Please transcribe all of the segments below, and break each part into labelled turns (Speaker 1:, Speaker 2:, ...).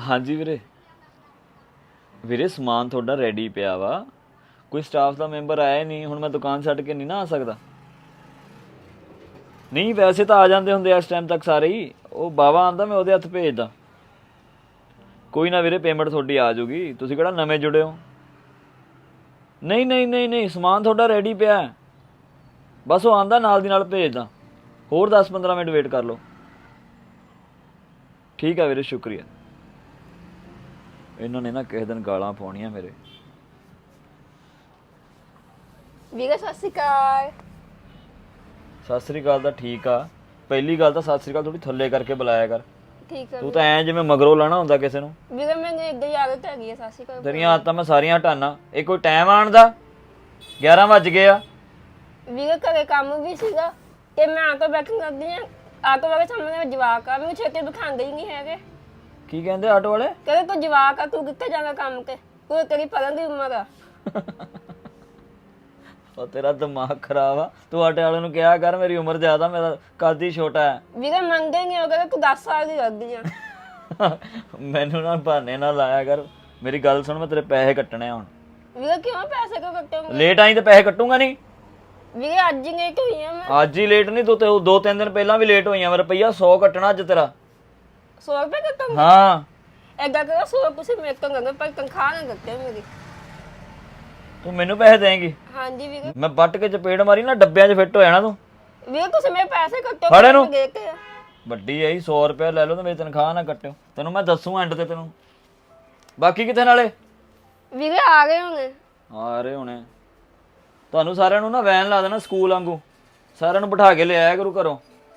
Speaker 1: ਹਾਂਜੀ ਵੀਰੇ। ਵੀਰੇ ਸਮਾਨ ਤੁਹਾਡਾ ਰੈਡੀ ਪਿਆ ਵਾ, ਕੋਈ ਸਟਾਫ ਦਾ ਮੈਂਬਰ ਆਇਆ ਨਹੀਂ, ਹੁਣ ਮੈਂ ਦੁਕਾਨ ਛੱਡ ਕੇ ਨਹੀਂ ਨਾ ਆ ਸਕਦਾ। ਨਹੀਂ ਵੈਸੇ ਤਾਂ ਆ ਜਾਂਦੇ ਹੁੰਦੇ ਇਸ ਟਾਈਮ ਤੱਕ ਸਾਰੇ ਹੀ, ਉਹ ਬਾਵਾ ਆਂਦਾ ਮੈਂ ਉਹਦੇ ਹੱਥ ਭੇਜਦਾ। ਕੋਈ ਨਾ ਵੀਰੇ, ਪੇਮੈਂਟ ਤੁਹਾਡੀ ਆ ਜਾਊਗੀ, ਤੁਸੀਂ ਕਿਹੜਾ ਨਵੇਂ ਜੁੜੇ ਹੋ। ਨਹੀਂ ਨਹੀਂ ਨਹੀਂ ਨਹੀਂ, ਸਮਾਨ ਤੁਹਾਡਾ ਰੈਡੀ ਪਿਆ, ਬਸ ਉਹ ਆਂਦਾ ਨਾਲ ਦੀ ਨਾਲ ਭੇਜਦਾ। ਹੋਰ 10-15 ਮਿੰਟ ਵੇਟ ਕਰ ਲਓ। ਠੀਕ ਆ ਵੀਰੇ, ਸ਼ੁਕਰੀਆ। ਇਹਨਾਂ ਨੇ ਨਾ ਕਿਸੇ ਦਿਨ ਗਾਲਾਂ ਪਾਉਣੀਆਂ ਮੇਰੇ।
Speaker 2: ਵੀਰੇ ਸਤਿ ਸ਼੍ਰੀ ਅਕਾਲ।
Speaker 1: ਸਤਿ ਸ੍ਰੀ ਅਕਾਲ ਤਾਂ ਠੀਕ ਆ, ਪਹਿਲੀ ਗੱਲ ਤਾਂ ਸਤਿ ਸ੍ਰੀ ਅਕਾਲ ਥੋੜੀ ਥੱਲੇ ਕਰਕੇ ਬੁਲਾਇਆ ਕਰ।
Speaker 2: ਠੀਕ ਹੈ
Speaker 1: ਤੂੰ ਤਾਂ ਐਂ ਜਿਵੇਂ ਮਗਰੋਂ ਲਾਣਾ ਹੁੰਦਾ ਕਿਸੇ ਨੂੰ।
Speaker 2: ਵੀਰੇ ਮੈਨੂੰ ਇੱਕ ਹੀ ਆਦਤ ਹੈਗੀ ਹੈ ਸਤਿ ਸ਼੍ਰੀ ਅਕਾਲ।
Speaker 1: ਤੇਰੀਆਂ ਆਦਤਾਂ ਮੈਂ ਸਾਰੀਆਂ ਹਟਾਨਾ। ਇਹ ਕੋਈ ਟਾਈਮ ਆਣ ਦਾ? 11 ਵੱਜ ਗਏ ਆ।
Speaker 2: ਵੀਰੇ ਘਰੇ ਕੰਮ ਵੀ ਸੀਗਾ ਤੇ ਮੈਂ ਆਟੋ ਬੈਠਣ ਕਰਦੀ ਆ, ਆਟੋ ਵਾਲੇ ਸਾਹਮਣੇ ਜਵਾਕ ਆ, ਮੈਨੂੰ ਛੇਤੀ ਦਿਖਾਉਂਦੇ ਹੀ ਨਹੀਂ ਹੈਗੇ।
Speaker 1: ਕੀ ਕਹਿੰਦੇ ਆਟੋ ਵਾਲੇ?
Speaker 2: ਕਹਿੰਦੇ ਤੂੰ ਜਵਾਕ ਆ, ਤੂੰ ਕਿੱਥੇ ਜਾਣਾ ਕੰਮ ਤੇ, ਤੂੰ ਤੇਰੀ ਪੜ੍ਹਨ ਦੀ ਉਮਰ ਆ।
Speaker 1: ਉਹ ਤੇਰਾ ਦਿਮਾਗ ਖਰਾਬ ਆ, ਤੂੰ ਆਟੋ ਵਾਲੇ ਨੂੰ ਕਿਹਾ ਕਰ ਮੇਰੀ ਉਮਰ ਜ਼ਿਆਦਾ, ਮੇਰਾ ਕੱਦ ਹੀ ਛੋਟਾ ਹੈ।
Speaker 2: ਵੀਰੇ ਮੰਨਦੇ ਨਹੀਂ, ਉਹ ਕਹਿੰਦੇ ਤੂੰ 10 ਸਾਲ ਦੀ ਲੱਗਦੀ ਆ।
Speaker 1: ਮੈਨੂੰ ਨਾ ਬਹਾਨੇ ਨਾਲ ਲਾਇਆ ਕਰ। ਮੇਰੀ ਗੱਲ ਸੁਣ, ਮੈਂ ਤੇਰੇ ਪੈਸੇ ਕੱਟਣੇ ਆ ਹੁਣ।
Speaker 2: ਵੀਰੇ ਕਿਉਂ ਪੈਸੇ ਕਿਉਂ ਕੱਟੋਗੇ?
Speaker 1: ਲੇਟ ਆਈ ਤੇ ਪੈਸੇ ਕੱਟੂਗਾ ਨਹੀਂ।
Speaker 2: ਵੀਰੇ ਅੱਜ ਹੀ ਲੇਟ ਹੋਈ ਆ ਮੈਂ।
Speaker 1: ਅੱਜ ਹੀ ਲੇਟ ਨਹੀਂ, ਤੂੰ ਤੇ 2-3 ਦਿਨ ਪਹਿਲਾਂ ਵੀ ਲੇਟ ਹੋਈਆਂ। ਰੁਪਈਆ 100 ਕੱਟਣਾ ਅੱਜ ਤੇਰਾ।
Speaker 2: 100 ਰੁਪਏ ਕੱਟੋਗੇ?
Speaker 1: ਹਾਂ।
Speaker 2: ਏਦਾਂ ਕਰੋ 100 ਤੁਸੀਂ ਮੇਰੇ ਤੋਂ ਲੰਘੋ, ਪਰ ਤਨਖਾਹ ਨਾ ਕੱਟਿਓ ਮੇਰੀ।
Speaker 1: ਤੂੰ ਮੈਨੂੰ ਪੈਸੇ ਦੇਂਗੀ?
Speaker 2: ਹਾਂਜੀ ਵੀਰੇ।
Speaker 1: ਮੈਂ ਵੱਟ ਕੇ ਚਪੇੜ ਮਾਰੀ ਨਾ, ਡੱਬਿਆਂ 'ਚ ਫਿੱਟ ਹੋ ਜਾਣਾ ਤੂੰ।
Speaker 2: ਵੀਰੇ ਤੁਸੀਂ ਮੇਰੇ ਪੈਸੇ ਕੱਟੋ।
Speaker 1: ਫੜ ਇਹਨੂੰ।
Speaker 2: ਕੇ
Speaker 1: ਵੱਡੀ ਆਈ 100 ਰੁਪਏ ਲੈ ਲਓ ਤੇ ਮੇਰੀ ਤਨਖਾਹ ਨਾ ਕੱਟਿਓ। ਤੈਨੂੰ ਮੈਂ ਦੱਸੂ ਐਂਡ ਤੇ ਤੈਨੂੰ। ਬਾਕੀ ਕਿੱਥੇ ਨਾਲੇ?
Speaker 2: ਵੀਰੇ ਆ ਗਏ ਹੋਣੇ।
Speaker 1: ਆ ਰਹੇ ਹੋਣੇ। ਤੁਹਾਨੂੰ ਸਾਰਿਆਂ ਨੂੰ ਨਾ ਵੈਨ ਲਾ ਦੇਣਾ ਸਕੂਲ ਵਾਂਗੂ, ਸਾਰਿਆਂ ਨੂੰ ਬਿਠਾ ਕੇ ਲਿਆਇਆ ਕਰੂ ਘਰੋਂ।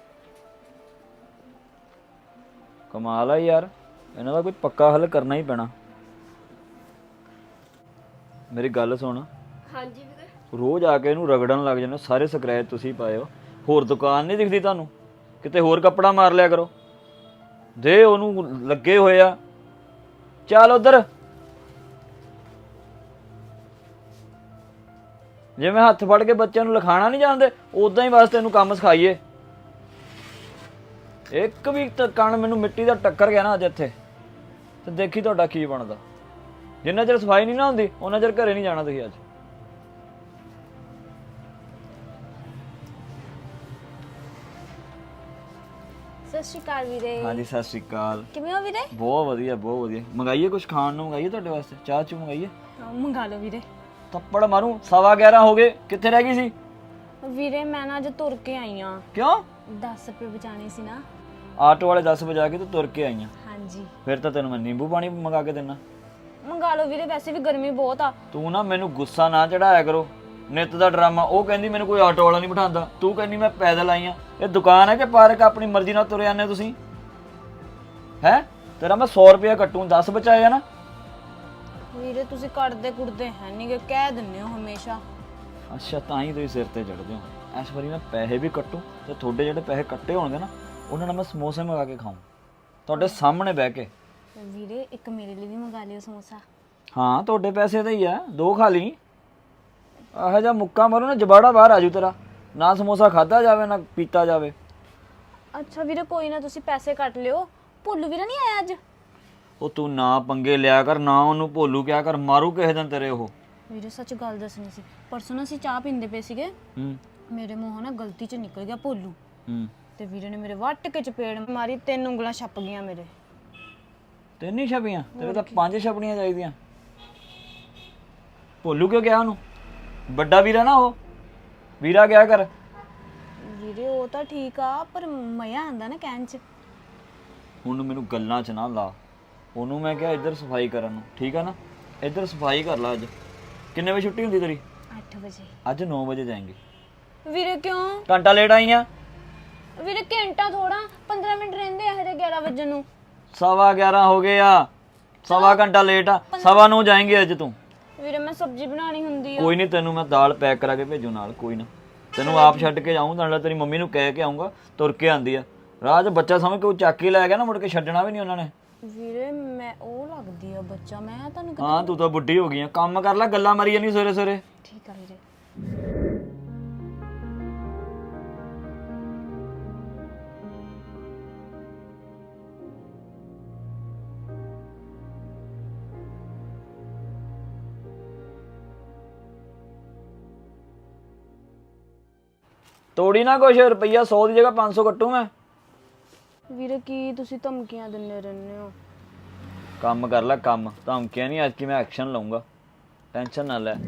Speaker 1: ਕਮਾਲ ਆ ਯਾਰ, ਇਹਨਾਂ ਦਾ ਕੋਈ ਪੱਕਾ ਹੱਲ ਕਰਨਾ ਹੀ ਪੈਣਾ। ਮੇਰੀ ਗੱਲ ਸੁਣ।
Speaker 2: ਹਾਂਜੀ ਵੀਰੇ।
Speaker 1: ਰੋਜ਼ ਆ ਕੇ ਇਹਨੂੰ ਰਗੜਨ ਲੱਗ ਜਾਂਦੇ, ਸਾਰੇ ਸਕ੍ਰੈਚ ਤੁਸੀਂ ਪਾਏ ਹੋ। ਹੋਰ ਦੁਕਾਨ ਨਹੀਂ ਦਿਖਦੀ ਤੁਹਾਨੂੰ? ਕਿਤੇ ਹੋਰ ਕੱਪੜਾ ਮਾਰ ਲਿਆ ਕਰੋ। ਦੇ ਉਹਨੂੰ ਲੱਗੇ ਹੋਏ ਆ। ਚੱਲ ਉਧਰ। ਜਿਵੇਂ ਹੱਥ ਫੜ ਕੇ ਬੱਚਿਆਂ ਨੂੰ ਲਿਖਾਣਾ ਨਹੀਂ ਜਾਣਦੇ, ਉਦਾਂ ਹੀ ਬਸ ਤੈਨੂੰ ਕੰਮ ਸਿਖਾਈਏ। ਇੱਕ ਵੀ ਕਣ ਮੈਨੂੰ ਮਿੱਟੀ ਦਾ ਟੱਕਰ ਗਿਆ ਨਾ ਅੱਜ ਇੱਥੇ, ਤੇ ਦੇਖੀ ਤੁਹਾਡਾ ਕੀ ਬਣਦਾ। ਜਿੰਨਾ ਚਿਰ ਸਫਾਈ ਨਹੀਂ ਨਾ ਹੁੰਦੀ ਉਹਨਾਂ ਚਿਰ ਘਰੇ ਨਹੀਂ ਜਾਣਾ ਤੁਸੀਂ ਅੱਜ।
Speaker 3: ਸਤਿ ਸ਼੍ਰੀ ਅਕਾਲ ਵੀਰੇ।
Speaker 1: ਹਾਂਜੀ ਸਤਿ ਸ਼੍ਰੀ ਅਕਾਲ।
Speaker 3: ਕਿਵੇਂ ਹੋ ਵੀਰੇ?
Speaker 1: ਬਹੁਤ ਵਧੀਆ ਬਹੁਤ ਵਧੀਆ। ਮੰਗਾਈਏ ਕੁਝ ਖਾਣ ਨੂੰ? ਮੰਗਾਈਏ ਤੁਹਾਡੇ ਵਾਸਤੇ? ਚਾਹ ਚੂ ਮੰਗਾਈਏ?
Speaker 3: ਮੰਗਾ ਲਓ ਵੀਰੇ।
Speaker 1: ਥੱਪੜ ਮਾਰੂ। 11:15 ਹੋ ਗਏ, ਕਿੱਥੇ ਰਹਿ ਗਈ ਸੀ?
Speaker 3: ਵੀਰੇ ਮੈਂ ਨਾ ਅੱਜ ਤੁਰ ਕੇ ਆਈ ਆ।
Speaker 1: ਕਿਉਂ?
Speaker 3: 10 ਰੁਪਏ ਬਚਾਣੇ ਸੀ ਨਾ।
Speaker 1: ਆਟੋ ਵਾਲੇ 10 ਵਜਾ ਕੇ ਤੂੰ ਤੁਰ ਕੇ ਆਈਆਂ?
Speaker 3: ਹਾਂਜੀ।
Speaker 1: ਫਿਰ ਤਾਂ ਤੈਨੂੰ ਮੈਂ ਨਿੰਬੂ ਪਾਣੀ ਮੰਗਾ ਕੇ ਦੇਣਾ।
Speaker 3: ਮੰਗਾ ਲਓ ਵੀਰੇ, ਵੈਸੇ ਵੀ ਗਰਮੀ ਬਹੁਤ ਆ।
Speaker 1: ਤੂੰ ਨਾ ਮੈਨੂੰ ਗੁੱਸਾ ਨਾ ਚੜਾਇਆ ਕਰੋ। ਨਿੱਤ ਦਾ ਡਰਾਮਾ। ਉਹ ਕਹਿੰਦੀ ਮੈਨੂੰ ਕੋਈ ਆਟੋ ਵਾਲਾ ਨਹੀਂ ਬਿਠਾਉਂਦਾ, ਤੂੰ ਕਹਿੰਦੀ ਮੈਂ ਪੈਦਲ ਆਈ ਆ। ਇਹ ਦੁਕਾਨ ਹੈ ਕਿ ਪਾਰਕ? ਆਪਣੀ ਮਰਜ਼ੀ ਨਾਲ ਤੁਰੇ ਆਨੇ ਤੁਸੀਂ ਹੈ। ਤੇਰਾ ਮੈਂ 100 ਰੁਪਇਆ ਕੱਟੂ, 10 ਬਚਾਇਆ ਨਾ।
Speaker 3: ਵੀਰੇ ਤੁਸੀਂ ਕੱਢਦੇ ਕੁੜਦੇ ਹੈ ਨਹੀਂ ਗੇ, ਕਹਿ ਦਿੰਦੇ ਹੋ ਹਮੇਸ਼ਾ।
Speaker 1: ਅੱਛਾ, ਤਾਂ ਹੀ ਤੁਸੀਂ ਸਿਰ ਤੇ ਚੜਦੇ ਹੋ। ਇਸ ਵਾਰੀ ਮੈਂ ਪੈਸੇ ਵੀ ਕੱਟੂ ਤੇ ਤੁਹਾਡੇ ਜਿਹੜੇ ਪੈਸੇ ਕੱਟੇ ਹੋਣਗੇ ਨਾ, ਉਹਨਾਂ ਨਾਲ ਮੈਂ ਸਮੋਸੇ ਮੰਗਾ ਕੇ ਖਾਊਂ ਤੁਹਾਡੇ ਸਾਹਮਣੇ ਬਹਿ ਕੇ।
Speaker 3: ਵੀਰੇ ਇੱਕ ਮੇਰੇ ਲਈ ਵੀ ਮੰਗਾ ਲਿਓ ਸਮੋਸਾ।
Speaker 1: ਹਾਂ ਤੁਹਾਡੇ ਪੈਸੇ ਦਾ ਹੀ ਆ, 2 ਖਾ ਲਈ। ਇਹੋ ਜਿਹਾ ਮੁੱਕਾ ਮਾਰੋ ਨਾ, ਜਬਾੜਾ ਬਾਹਰ ਆਜੂ ਤੇਰਾ। ਨਾ ਸਮੋਸਾ ਖਾਧਾ ਜਾਵੇ ਨਾ ਪੀਤਾ ਜਾਵੇ।
Speaker 3: ਅੱਛਾ ਵੀਰੇ ਕੋਈ ਨਾ, ਤੁਸੀਂ ਪੈਸੇ ਕੱਟ ਲਿਓ। ਭੁੱਲੂ ਵੀਰਾ ਨਹੀਂ ਆਇਆ ਅੱਜ?
Speaker 1: ਉਹ ਤੂੰ ਨਾ ਪੰਗੇ ਲਿਆ ਕਰ, ਨਾ ਉਹਨੂੰ ਭੋਲੂ ਕਿਹਾ ਕਰ, ਮਾਰੂ ਕਿਸੇ ਦਿਨ ਤੇਰੇ ਉਹ।
Speaker 3: ਵੀਰੇ ਸੱਚ ਗੱਲ ਦੱਸਣੀ ਸੀ, ਪਰਸੋਂ ਨਾ ਅਸੀਂ ਚਾਹ ਪੀਂਦੇ ਪਏ ਸੀਗੇ, ਮੇਰੇ ਮੂੰਹੋਂ ਨਾ ਗਲਤੀ 'ਚ ਨਿਕਲ ਗਿਆ ਭੋਲੂ, ਤੇ ਵੀਰੇ ਨੇ ਮੇਰੇ ਵੱਟ ਕੇ ਚਪੇੜ ਮਾਰੀ, 3 ਉਂਗਲਾਂ ਛੱਪ ਗਈਆਂ ਮੇਰੇ।
Speaker 1: 3 ਹੀ ਛਪੀਆਂ? ਤੇਰੇ ਤਾਂ 5 ਛਪਣੀਆਂ ਚਾਹੀਦੀਆਂ। ਭੋਲੂ ਕਿਉਂ ਗਿਆ ਉਹਨੂੰ? ਵੱਡਾ ਵੀਰਾ ਨਾ ਉਹ, ਵੀਰਾ ਗਿਆ ਕਰ।
Speaker 3: ਵੀਰੇ ਉਹ ਤਾਂ ਠੀਕ ਆ, ਪਰ ਮਜ਼ਾ ਆਂਦਾ ਨਾ ਕਹਿਣ 'ਚ।
Speaker 1: ਹੁਣ ਮੈਨੂੰ ਗੱਲਾਂ 'ਚ ਨਾ ਲਾ। ਉਹਨੂੰ ਮੈਂ ਕਿਹਾ ਇੱਧਰ ਸਫਾਈ ਕਰਨ ਨੂੰ, ਠੀਕ ਆ ਨਾ? ਇੱਧਰ ਸਫਾਈ ਕਰ ਲਾ। ਅੱਜ ਕਿੰਨੇ ਵਜੇ ਛੁੱਟੀ ਹੁੰਦੀ ਤੇਰੀ?
Speaker 3: 8 ਵਜੇ।
Speaker 1: ਅੱਜ 9 ਵਜੇ ਜਾਏਂਗੇ।
Speaker 3: ਵੀਰੇ ਕਿਉਂ?
Speaker 1: ਘੰਟਾ ਲੇਟ ਆਈ ਆ।
Speaker 3: ਵੀਰੇ ਘੰਟਾ ਥੋੜਾ, 15 ਮਿੰਟ ਰਹਿੰਦੇ ਆ ਹਜੇ 11 ਵਜੇ ਨੂੰ।
Speaker 1: 11:15 ਹੋ ਗਏ ਆ, ਸਵਾ ਘੰਟਾ ਲੇਟ ਆ। 9:15 ਜਾਏਂਗੇ ਅੱਜ ਤੂੰ।
Speaker 3: ਵੀਰੇ ਮੈਂ ਸਬਜ਼ੀ ਬਣਾਣੀ ਹੁੰਦੀ ਆ।
Speaker 1: ਕੋਈ ਨਹੀਂ, ਤੈਨੂੰ ਮੈਂ ਦਾਲ ਪੈਕ ਕਰਾ ਕੇ ਭੇਜੂ ਨਾਲ। ਕੋਈ ਨਾ, ਤੈਨੂੰ ਆਪ ਛੱਡ ਕੇ ਜਾਊਂ, ਨਾਲ ਤੇਰੀ ਮੰਮੀ ਨੂੰ ਕਹਿ ਕੇ ਆਊਂਗਾ, ਤੁਰ ਕੇ ਆਂਦੀ ਆ। ਰਾਹ 'ਚ ਬੱਚਾ ਸਮਝ ਕੇ ਉਹ ਚੱਕ ਕੇ ਲੈ ਗਿਆ ਨਾ, ਮੁੜ ਕੇ ਛੱਡਣਾ ਵੀ ਨਹੀਂ ਉਹਨਾਂ ਨੇ।
Speaker 3: ਵੀਰੇ ਮੈਂ ਉਹ ਲੱਗਦੀ ਆ ਬੱਚਾ, ਮੈਂ ਤੁਹਾਨੂੰ
Speaker 1: ਹਾਂ ਤੂੰ ਤਾਂ ਬੁੱਢੀ ਹੋ ਗਈ ਆ। ਕੰਮ ਕਰ ਲੈ, ਗੱਲਾਂ ਮਾਰੀ ਜਾਂਦੀ ਸਵੇਰੇ ਸਵੇਰੇ।
Speaker 3: ਠੀਕ ਆ ਵੀਰੇ।
Speaker 1: ਤੋੜੀ ਨਾ ਕੁਛ, ਰੁਪਈਆ 100 ਦੀ ਜਗ੍ਹਾ 500 ਕੱਟੂ ਮੈਂ।
Speaker 3: ਵੀਰੇ ਕੀ ਤੁਸੀਂ ਧਮਕੀਆਂ ਦਿੰਦੇ ਰਹਿੰਦੇ ਹੋ?
Speaker 1: ਕੰਮ ਕਰ ਲੈ ਕੰਮ, ਧਮਕੀਆਂ ਨਹੀਂ, ਅੱਜ ਕੀ ਮੈਂ ਐਕਸ਼ਨ ਲਊਂਗਾ, ਟੈਨਸ਼ਨ ਨਾ ਲੈ।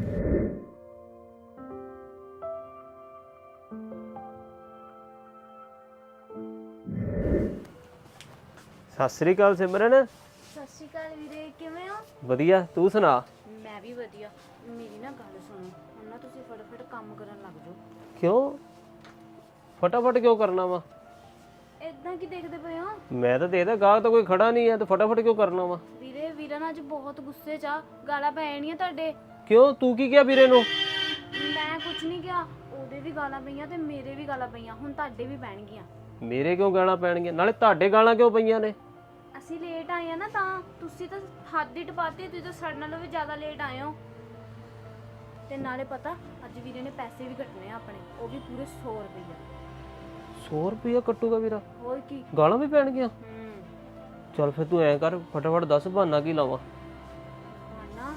Speaker 4: ਸਤਿ ਸ੍ਰੀ ਅਕਾਲ ਸਿਮਰਨ।
Speaker 3: ਸਤਿ ਸ਼੍ਰੀ ਅਕਾਲ ਵੀਰੇ, ਕਿਵੇਂ ਹੋ?
Speaker 4: ਵਧੀਆ, ਤੂੰ ਸੁਣਾ।
Speaker 3: ਮੈਂ ਵੀ ਵਧੀਆ। ਮੇਰੀ ਨਾ ਗੱਲ ਸੁਣੋ, ਹੁਣ ਨਾ ਤੁਸੀਂ ਫਟਾਫਟ ਕੰਮ ਕਰਨ ਲੱਗ ਜਾਓ।
Speaker 4: ਕਿਉਂ ਫਟਾਫਟ ਕਿਉਂ ਕਰਨਾ ਵਾ?
Speaker 3: ਇਦਾਂ ਕੀ ਦੇਖਦੇ ਪਏ ਹੋ?
Speaker 4: ਮੈਂ ਤਾਂ ਦੇਖਦਾ ਗਾਹਕ ਤਾਂ ਕੋਈ ਖੜਾ ਨਹੀਂ ਹੈ ਤੇ ਫਟਾਫਟ ਕਿਉਂ ਕਰਨਾ ਵਾ?
Speaker 3: ਵੀਰੇ ਵੀਰਾ ਨਾ ਅੱਜ ਬਹੁਤ ਗੁੱਸੇ 'ਚ ਆ, ਗਾਲਾਂ ਪੈਣੀਆਂ ਤੁਹਾਡੇ।
Speaker 4: ਕਿਉਂ ਤੂੰ ਕੀ ਕਿਹਾ ਵੀਰੇ ਨੂੰ?
Speaker 3: ਮੈਂ ਕੁਝ ਨਹੀਂ ਕਿਹਾ, ਉਹਦੇ ਵੀ ਗਾਲਾਂ ਪਈਆਂ ਤੇ ਮੇਰੇ ਵੀ ਗਾਲਾਂ ਪਈਆਂ, ਹੁਣ ਤੁਹਾਡੇ ਵੀ ਪੈਣਗੀਆਂ।
Speaker 4: ਮੇਰੇ ਕਿਉਂ ਗਾਲਾਂ ਪੈਣਗੀਆਂ? ਨਾਲੇ ਤੁਹਾਡੇ ਗਾਲਾਂ ਕਿਉਂ ਪਈਆਂ ਨੇ?
Speaker 3: ਅਸੀਂ ਲੇਟ ਆਏ ਆ ਨਾ, ਤਾਂ ਤੁਸੀਂ ਤਾਂ ਹੱਦ ਹੀ ਟਪਾਤੀ, ਤੁਸੀਂ ਤਾਂ ਸਾਡੇ ਨਾਲੋਂ ਵੀ ਜ਼ਿਆਦਾ ਲੇਟ ਆਏ ਹੋ। ਤੇ ਨਾਲੇ ਪਤਾ ਅੱਜ ਵੀਰੇ ਨੇ ਪੈਸੇ ਵੀ ਕੱਟਣੇ ਆ ਆਪਣੇ, ਉਹ ਵੀ ਪੂਰੇ 100 ਰੁਪਈਆ।
Speaker 4: 100 ਰੁਪਇਆ ਕੱਟੂਗਾ ਵੀਰਾ?
Speaker 3: ਹੋਰ ਕੀ।
Speaker 4: ਗਾਲਾਂ ਵੀ ਪੈਣਗੀਆਂ? ਚੱਲ ਫਿਰ ਤੂੰ ਐਂ ਕਰ, ਫਟਾਫਟ ਦੱਸ ਬਹਾਨਾ ਕੀ ਲਾਵਾਂ।
Speaker 3: ਨਾ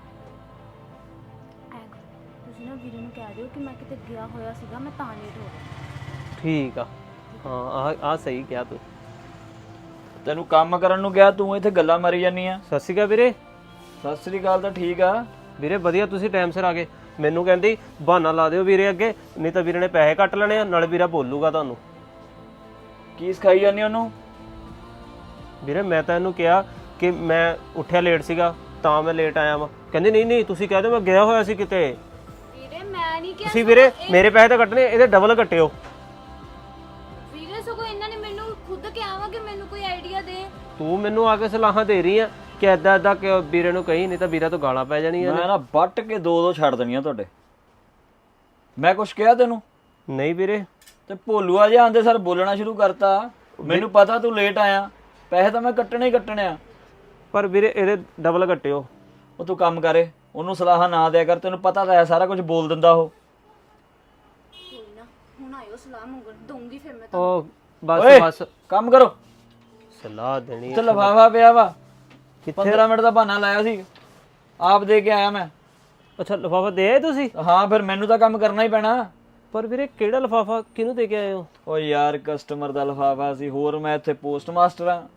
Speaker 3: ਤੁਸੀਂ ਨਾ ਵੀਰੇ ਨੂੰ ਕਹਿ ਦਿਓ ਕਿ ਮੈਂ ਕਿਤੇ ਗਿਆ ਹੋਇਆ ਸੀਗਾ, ਮੈਂ ਤਾਂ ਲੇਟ ਹੋ ਗਿਆ।
Speaker 4: ਠੀਕ ਆ, ਹਾਂ ਆ ਸਹੀ ਕਿਹਾ ਤੂੰ।
Speaker 1: ਤੈਨੂੰ ਕੰਮ ਕਰਨ ਨੂੰ ਕਿਹਾ, ਤੂੰ ਇੱਥੇ ਗੱਲਾਂ ਮਾਰੀ ਜਾਨੀ ਆ।
Speaker 4: ਸਤਿ ਸ਼੍ਰੀ ਅਕਾਲ ਵੀਰੇ।
Speaker 1: ਸਤਿ ਸ੍ਰੀ ਅਕਾਲ ਤਾਂ ਠੀਕ ਆ
Speaker 4: ਵੀਰੇ ਵਧੀਆ, ਤੁਸੀਂ ਟਾਈਮ ਸਿਰ ਆ ਗਏ। ਮੈਨੂੰ ਕਹਿੰਦੀ ਬਹਾਨਾ ਲਾ ਦਿਓ ਵੀਰੇ ਅੱਗੇ, ਨਹੀਂ ਤਾਂ ਵੀਰੇ ਨੇ ਪੈਸੇ ਕੱਟ ਲੈਣੇ ਆ, ਨਾਲੇ ਵੀਰਾ ਬੋਲੂਗਾ ਤੁਹਾਨੂੰ।
Speaker 1: ਕੀ ਸਿਖਾਈ ਜਾਨੀ ਉਹਨੂੰ?
Speaker 4: ਵੀਰੇ ਮੈਂ ਤਾਂ ਇਹਨੂੰ ਕਿਹਾ ਕਿ ਮੈਂ ਉੱਠਿਆ ਲੇਟ ਸੀਗਾ ਤਾਂ ਮੈਂ ਲੇਟ ਆਇਆ ਵਾਂ। ਕਹਿੰਦੀ ਨਹੀਂ ਨਹੀਂ ਤੁਸੀਂ ਕਹਿ ਦਿਓ ਮੈਂ ਗਿਆ ਹੋਇਆ ਸੀ ਕਿਤੇ।
Speaker 3: ਵੀਰੇ ਮੈਂ ਨਹੀਂ ਕਿਹਾ।
Speaker 4: ਤੁਸੀਂ ਵੀਰੇ ਮੇਰੇ ਪੈਸੇ ਤਾਂ ਕੱਟਣੇ, ਇਹਦੇ ਡਬਲ ਕੱਟਿਓ।
Speaker 3: ਵੀਰੇ ਸਗੋਂ ਇਹਨਾਂ ਨੇ ਮੈਨੂੰ ਖੁਦ ਕਿਹਾ ਵਾ ਕਿ ਮੈਨੂੰ ਕੋਈ ਆਈਡੀਆ ਦੇ।
Speaker 4: ਤੂੰ ਮੈਨੂੰ ਆ ਕੇ ਸਲਾਹਾਂ ਦੇ ਰਹੀ ਆ ਕਿ ਏਦਾਂ ਏਦਾਂ ਕਿ ਵੀਰੇ ਨੂੰ ਕਹੀ, ਨਹੀਂ ਤਾਂ ਵੀਰਾ ਤੋਂ ਗਾਲਾਂ ਪੈ ਜਾਣੀਆਂ ਨੇ।
Speaker 1: ਮੈਂ ਨਾ ਵੱਟ ਕੇ ਦੋ ਛੱਡ ਦੇਣੀਆਂ ਤੁਹਾਡੇ। ਮੈਂ ਕੁਛ ਕਿਹਾ ਤੈਨੂੰ?
Speaker 4: ਨਹੀਂ ਵੀਰੇ।
Speaker 1: ਤੇ ਭੋਲੂਆ ਜਿਹਾ ਆਂਦੇ ਸਰ ਬੋਲਣਾ ਸ਼ੁਰੂ ਕਰਤਾ। ਮੈਨੂੰ ਪਤਾ ਤੂੰ ਲੇਟ ਆਇਆ, ਪੈਸੇ ਤਾਂ ਮੈਂ ਕੱਟਣੇ ਹੀ ਕੱਟਣੇ ਆ।
Speaker 4: ਪਰ ਵੀਰੇ ਇਹਦੇ ਡਬਲ ਕੱਟਿਓ।
Speaker 1: ਉਹ ਤੂੰ ਕੰਮ ਕਰੇ, ਉਹਨੂੰ ਸਲਾਹਾਂ ਨਾ ਦਿਆ ਕਰ, ਤੈਨੂੰ ਪਤਾ ਤਾਂ ਹੈ ਸਾਰਾ ਕੁਝ ਬੋਲ ਦਿੰਦਾ ਉਹ।
Speaker 3: ਕੋਈ ਨਾ, ਹੁਣ ਆਇਓ ਸਲਾਹ ਮੰਗਣ, ਦਊਂਗੀ ਫਿਰ ਮੈਂ
Speaker 4: ਉਹ
Speaker 1: ਓਏ,
Speaker 4: ਬਸ ਬਸ
Speaker 1: ਕੰਮ ਕਰੋ।
Speaker 4: ਸਲਾਹ ਦੇਣੀ
Speaker 1: ਤੇ ਲਫਾਫਾ ਪਿਆ ਵਾ,
Speaker 4: ਕਿੱਥੇ?
Speaker 1: 15 ਮਿੰਟ ਦਾ ਬਹਾਨਾ ਲਾਇਆ ਸੀ, ਆਪ ਦੇ ਕੇ ਆਇਆ ਮੈਂ।
Speaker 4: ਅੱਛਾ ਲਿਫਾਫਾ ਦੇ ਆਏ ਤੁਸੀਂ?
Speaker 1: ਹਾਂ ਫਿਰ ਮੈਨੂੰ ਤਾਂ ਕੰਮ ਕਰਨਾ ਹੀ ਪੈਣਾ।
Speaker 4: ਪਰ ਵੀਰੇ ਕਿਹੜਾ ਲਿਫਾਫਾ, ਕਿਹਨੂੰ ਦੇ ਕੇ ਆਏ ਹੋ?
Speaker 1: ਓ ਯਾਰ ਕਸਟਮਰ ਦਾ ਲਿਫਾਫਾ ਸੀ, ਹੋਰ ਮੈਂ ਇੱਥੇ ਪੋਸਟ ਮਾਸਟਰ ਆ।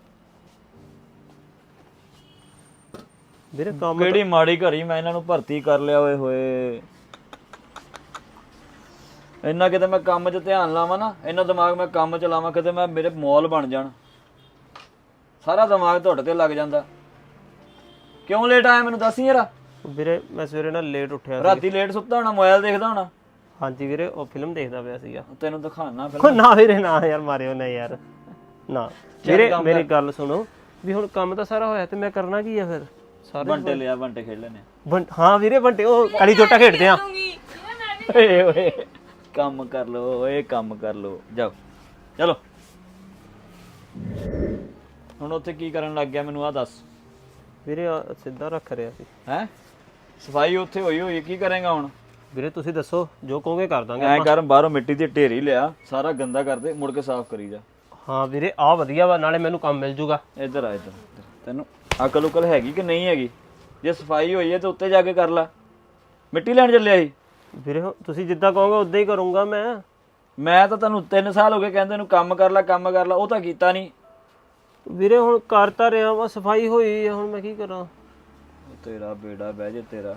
Speaker 4: ਵੀਰੇ ਕੰਮ
Speaker 1: ਕਿਹੜੀ ਮਾੜੀ ਘੜੀ ਮੈਂ ਇਹਨਾਂ ਨੂੰ ਭਰਤੀ ਕਰ ਲਿਆ। ਓਏ ਹੋਏ, ਇੰਨਾ ਕਿਤੇ ਮੈਂ ਕੰਮ 'ਚ ਧਿਆਨ ਲਾਵਾਂ ਨਾ, ਇੰਨਾ ਦਿਮਾਗ ਮੈਂ ਕੰਮ 'ਚ ਲਾਵਾਂ, ਕਿਤੇ ਮੈਂ ਮੇਰੇ ਮੌਲ ਬਣ ਜਾਣ। ਸਾਰਾ ਦਿਮਾਗ ਤੁਹਾਡੇ ਤੇ ਲੱਗ ਜਾਂਦਾ। ਕਿਉਂ ਲੇਟ ਆਇਆ ਮੈਨੂੰ ਦੱਸ ਯਾਰ।
Speaker 4: ਵੀਰੇ ਮੈਂ ਸਵੇਰੇ ਨਾਲ ਲੇਟ ਉੱਠਿਆ ਸੀ।
Speaker 1: ਰਾਤੀ ਲੇਟ ਸੁੱਤਾ ਹੋਣਾ, ਮੋਬਾਈਲ ਦੇਖਦਾ ਹੋਣਾ।
Speaker 4: ਹਾਂਜੀ ਵੀਰੇ ਉਹ ਫਿਲਮ ਦੇਖਦਾ ਪਿਆ ਸੀਗਾ।
Speaker 1: ਤੈਨੂੰ ਦਿਖਾਣਾ
Speaker 4: ਉਹ ਨਾ ਵੀਰੇ ਨਾ ਯਾਰ, ਮਾਰਿਓ ਨਾ ਯਾਰ ਨਾ। ਵੀਰੇ ਮੇਰੀ ਗੱਲ ਸੁਣੋ, ਵੀ ਹੁਣ ਕੰਮ ਤਾਂ ਸਾਰਾ ਹੋਇਆ ਤੇ ਮੈਂ ਕਰਨਾ ਕੀ ਆ ਫਿਰ? ਸਾਰੇ
Speaker 1: ਬੰਟੇ ਲਿਆ, ਬੰਟੇ ਖੇਡ ਲੈਣੇ।
Speaker 4: ਹਾਂ ਵੀਰੇ ਬੰਟੇ, ਉਹ ਕਾਲੀ ਚੋਟਾ ਖੇਡਦੇ ਆ।
Speaker 1: ਓਏ ਓਏ ਕੰਮ ਕਰ ਲੋ, ਓਏ ਕੰਮ ਕਰ ਲੋ, ਜਾਓ ਚਲੋ। ਹੁਣ ਉੱਥੇ ਕੀ ਕਰਨ ਲੱਗ ਗਿਆ ਮੈਨੂੰ ਆ ਦੱਸ।
Speaker 4: ਵੀਰੇ ਸਿੱਧਾ ਰੱਖ ਰਿਹਾ ਸੀ।
Speaker 1: ਹੈ ਸਫਾਈ ਉੱਥੇ ਹੋਈ ਹੋਈ, ਕੀ ਕਰੇਗਾ ਹੁਣ?
Speaker 4: ਵੀਰੇ ਤੁਸੀਂ ਦੱਸੋ, ਜੋ ਕਹੋਗੇ ਕਰ ਦਾਂਗੇ।
Speaker 1: ਐ ਕਰ, ਬਾਹਰੋਂ ਮਿੱਟੀ ਦੀ ਢੇਰੀ ਲਿਆ, ਸਾਰਾ ਗੰਦਾ ਕਰ ਦੇ, ਮੁੜ ਕੇ ਸਾਫ਼ ਕਰੀ ਜਾ।
Speaker 4: ਹਾਂ ਵੀਰੇ ਆ ਵਧੀਆ ਵਾ, ਨਾਲੇ ਮੈਨੂੰ ਕੰਮ ਮਿਲ ਜੂਗਾ।
Speaker 1: ਇੱਧਰ ਆ, ਇੱਧਰ ਤੈਨੂੰ ਅਕਲ ਉਕਲ ਹੈਗੀ ਕਿ ਨਹੀਂ ਹੈਗੀ? ਜੇ ਸਫਾਈ ਹੋਈ ਹੈ ਤੇ ਉੱਤੇ ਜਾ ਕੇ ਕਰ ਲੈ। ਮਿੱਟੀ ਲੈਣ ਚੱਲਿਆ ਸੀ?
Speaker 4: ਵੀਰੇ ਤੁਸੀਂ ਜਿੱਦਾਂ ਕਹੋਗੇ ਉਦਾਂ ਹੀ ਕਰੂੰਗਾ ਮੈਂ।
Speaker 1: ਮੈਂ ਤਾਂ ਤੈਨੂੰ 3 ਸਾਲ ਹੋ ਗਏ ਕਹਿੰਦੇ ਨੂੰ ਕੰਮ ਕਰ ਲੈ, ਕੰਮ ਕਰ ਲੈ, ਉਹ ਤਾਂ ਕੀਤਾ ਨਹੀਂ।
Speaker 4: ਵੀਰੇ ਹੁਣ ਕਰਤਾ ਰਿਹਾ ਵਾ, ਸਫਾਈ ਹੋਈ ਆ, ਹੁਣ ਮੈਂ ਕੀ ਕਰਾਂ?
Speaker 1: ਤੇਰਾ ਬੇੜਾ ਬਹਿ ਜੇ ਤੇਰਾ।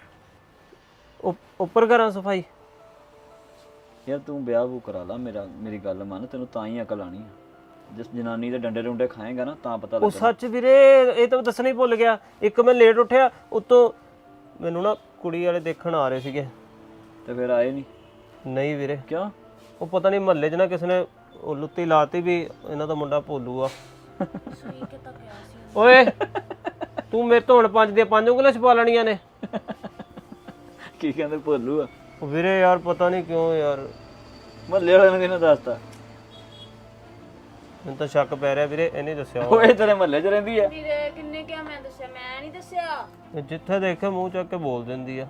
Speaker 4: ਉੱਪਰ ਕਰਾਂ ਸਫਾਈ?
Speaker 1: ਯਾਰ ਤੂੰ ਵਿਆਹ ਵੂ ਕਰਾ ਲਾ ਮੇਰਾ, ਮੇਰੀ ਗੱਲ ਮੰਨ, ਤੈਨੂੰ ਤਾਂ ਹੀ ਅਕਲ ਆਣੀ ਆ। ਜਿਸ ਜਨਾਨੀ ਦੇ ਡੰਡੇ ਡੁੰਡੇ ਖਾਏਗਾ ਨਾ ਤਾਂ ਪਤਾ
Speaker 4: ਉਹ
Speaker 1: ਲੱਗਦਾ।
Speaker 4: ਸੱਚ ਵੀਰੇ ਇਹ ਤਾਂ ਦੱਸਣਾ ਹੀ ਭੁੱਲ ਗਿਆ, ਇੱਕ ਮੈਂ ਲੇਟ ਉੱਠਿਆ, ਉੱਤੋਂ ਮੈਨੂੰ ਨਾ ਕੁੜੀ ਵਾਲੇ ਦੇਖਣ ਆ ਰਹੇ ਸੀਗੇ।
Speaker 1: ਤੇ ਫਿਰ ਆਏ ਨਹੀਂ?
Speaker 4: ਨਹੀਂ ਵੀਰੇ।
Speaker 1: ਕਿਉਂ?
Speaker 4: ਉਹ ਪਤਾ ਨਹੀਂ ਮਹੱਲੇ 'ਚ ਨਾ ਕਿਸੇ ਨੇ ਉਹ ਲੁੱਤੀ ਲਾਤੀ ਵੀ ਇਹਨਾਂ ਦਾ ਮੁੰਡਾ ਭੋਲੂ ਆ।
Speaker 3: ਸਹੀ ਕਿਤਾ ਕਿਹਾ ਸੀ।
Speaker 4: ਓਏ ਤੂੰ ਮੇਰੇ ਤੋਂ ਹੁਣ 5 ਦੀਆਂ 5 ਉਂਗਲਾਂ ਛਪਾ ਲੈਣੀਆਂ ਨੇ।
Speaker 1: ਕੀ ਕਹਿੰਦੇ ਭੋਲੂ ਆ?
Speaker 4: ਉਹ ਵੀਰੇ ਯਾਰ ਪਤਾ ਨਹੀਂ ਕਿਉਂ ਯਾਰ,
Speaker 1: ਮਹੱਲੇ ਵਾਲਿਆਂ ਨੇ ਕਿਹਨੇ ਦੱਸਤਾ?
Speaker 4: ਮੈਨੂੰ ਤਾਂ ਸ਼ੱਕ ਪੈ ਰਿਹਾ ਵੀਰੇ, ਇਹਨੇ ਦੱਸਿਆ
Speaker 1: ਓਏ ਤੇਰੇ ਮਹੱਲੇ 'ਚ ਰਹਿੰਦੀ ਆ?
Speaker 3: ਵੀਰੇ ਕਿੰਨੇ ਕਿਹਾ, ਮੈਂ ਦੱਸਿਆ? ਮੈਂ ਨਹੀਂ ਦੱਸਿਆ।
Speaker 4: ਜਿੱਥੇ ਦੇਖੇ ਮੂੰਹ ਚੱਕ ਕੇ ਬੋਲ ਦਿੰਦੀ ਆ।